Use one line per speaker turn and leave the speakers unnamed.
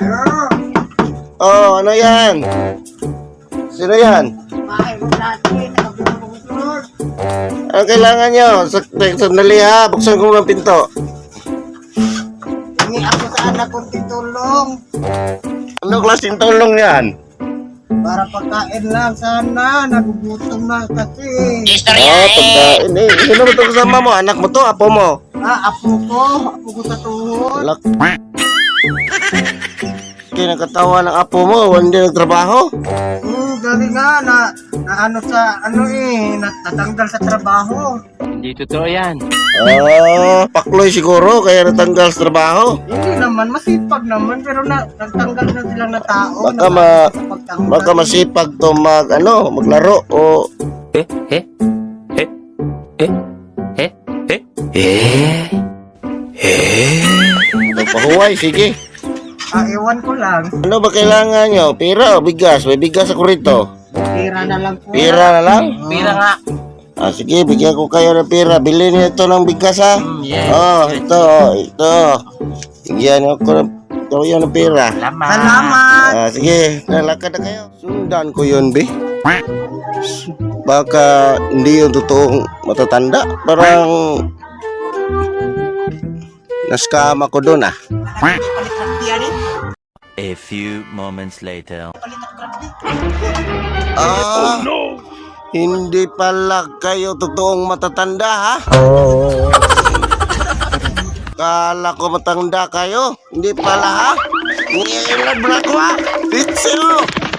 Oh, ano yan? Sino yan? Ano kailangan nyo? Sandali ha, buksan ko ng pinto.
Hingi ako sa anak kong titulong.
Ano klaseng tulong yan?
Para pagkain lang sana. Nagugutom na kasi.
Pagkain eh. Sino mo ito kasama mo? Anak mo to? Apo mo?
Apo ko. Apo ko sa tuhod.
Alak. Kinakatawa ng apo mo, hindi nagtrabaho.
Galing nga na ano sa ano natatanggal sa trabaho.
Hindi totoo yan.
Pakloy siguro, kaya natanggal sa trabaho.
Hindi naman, masipag naman, pero nagtanggal na silang na tao.
Baka masipag to maglaro o... Pahuway, sige.
Ewan ko lang.
Ano ba kailangan nyo? Pira o bigas? May bigas ako rito.
Pira na lang po.
Pira na lang?
Pira nga.
Sige, bigyan ko kayo ng pira. Bilhin niyo ito ng bigas ha. Ito. Bigyan niyo kayo ng pira.
Salamat.
Sige, lalakad na kayo. Sundan ko yun, be. Baka hindi yung totoong matatanda. Parang naskam ako doon ah.
A few moments later.
Hindi pala kayo totoong matatanda ha? Kala ko matanda kayo. Hindi pala ha? Ngayon lang ko ha? Pitsel!